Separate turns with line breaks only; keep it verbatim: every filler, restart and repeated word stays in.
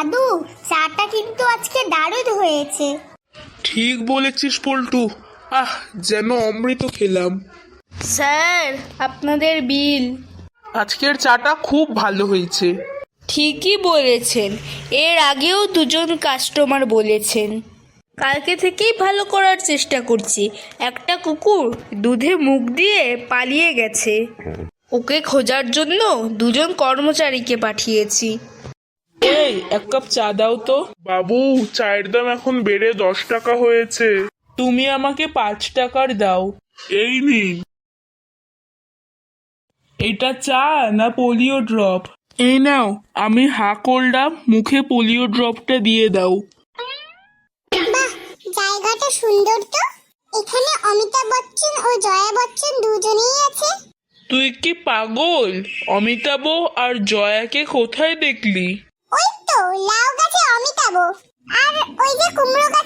দাদু, চাটা কিন্তু আজকে দারুণ হয়েছে।
ঠিক বলেছিস পল্টু, আহ যেন অমৃত খেলাম।
স্যার, আপনাদের বিল।
আজকের চাটা খুব ভালো হয়েছে।
ঠিকই বলেছেন, এর আগেও দুজন কাস্টমার বলেছেন। কালকে থেকেই ভালো করার চেষ্টা করছি। একটা কুকুর দুধে মুখ দিয়ে পালিয়ে গেছে, ওকে খোঁজার জন্য দুজন কর্মচারীকে পাঠিয়েছি।
এই এক কাপ চা দাও তো। বাবু, চায়ের দাম এখন বেড়ে দশ টাকা হয়েছে। তুমি আমাকে পাঁচ টাকার দাও। এই নিন। এটা চা না পোলিও ড্রপ? এই নাও, আমি হা করলাম, মুখে পোলিও ড্রপটা দিয়ে দাও।
বাহ, জায়গাটা সুন্দর তো। এখানে অমিতাভ বচ্চন ও জয়া বচ্চন দুজনেই আছে।
তুই কি পাগল? অমিতাভ আর জয়াকে কোথায় দেখলি?
ওই তো লাউ গাছে অমিতাভ, আর ওই যে কুমড়ো